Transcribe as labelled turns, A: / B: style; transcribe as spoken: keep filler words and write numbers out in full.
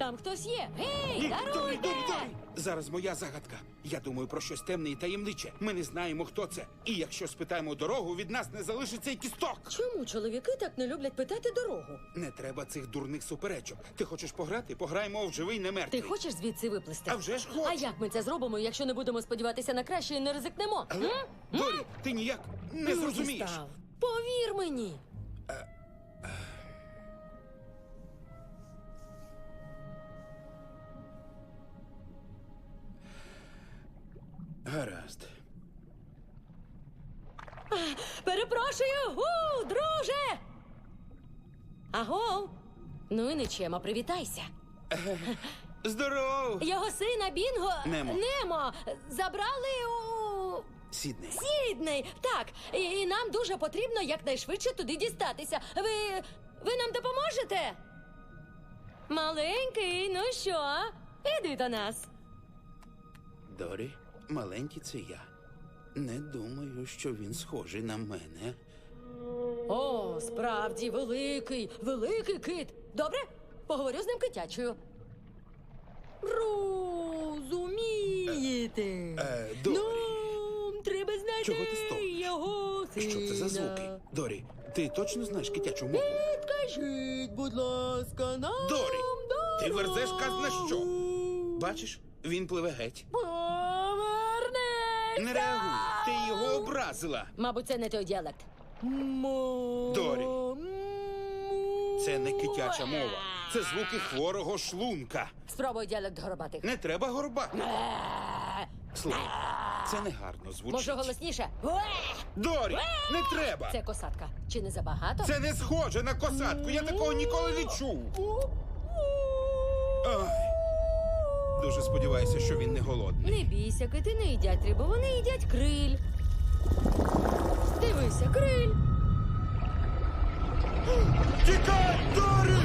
A: Там хтось є. Гей,
B: Ні, Дорі,
A: даруйте!
B: Дорі, Дорі! Зараз моя загадка. Я думаю про щось темне і таємниче. Ми не знаємо, хто це. І якщо спитаємо дорогу, від нас не залишиться й кісток.
A: Чому чоловіки так не люблять питати дорогу?
B: Не треба цих дурних суперечок. Ти хочеш пограти? Пограємо в живий, не
A: Ти
B: мертвий.
A: хочеш звідси виплисти?
B: А вже ж хочу.
A: А як ми це зробимо, якщо не будемо сподіватися на краще і не ризикнемо?
B: Але,
A: М?
B: Дорі, ти ніяк не
A: Ну,
B: зрозумієш.
A: дістав. Повір мені.
B: Гаразд.
A: Перепрошую, гу, друже! Аго! Ну і нічема, привітайся.
B: Здоров!
A: Його сина Бінго
B: Немо.
A: Немо забрали у
B: Сідней.
A: Сідней. Так, і, і нам дуже потрібно якнайшвидше туди дістатися. Ви. Ви нам допоможете? Маленький, ну що? Іди до нас.
B: Дорі, маленький це я. Не думаю, що він схожий на мене.
A: О, справді великий, великий кит. Добре? Поговорю з ним китячою. Розумієте?
B: Е, Дорі.
A: Ну, треба знайти
B: Чого ти стогнеш?
A: його сина.
B: Що це за звуки? Дорі, ти точно знаєш китячу мову?
A: Підкажіть, будь ласка, нам
B: Дорі, ти
A: дорогу.
B: верзеш казна що? Бачиш, він пливе геть.
A: Повернись!
B: Не реагуй, ти його образила.
A: Мабуть, це не той діалект. Мо...
B: Дорі. Це не китяча мова. Це звуки хворого шлунка.
A: Спробуй діалект горобатих.
B: Не треба горбати. Слухай, це негарно звучить.
A: Може, голосніше?
B: Дорі, не треба.
A: Це косатка. Чи не забагато?
B: Це не схоже на косатку. Я такого ніколи не чув. Ай. Дуже сподіваюся, що він не голодний.
A: Не бійся, кити не їдять рибу, вони їдять криль. Дивися, криль.
B: Тікай, Дорі!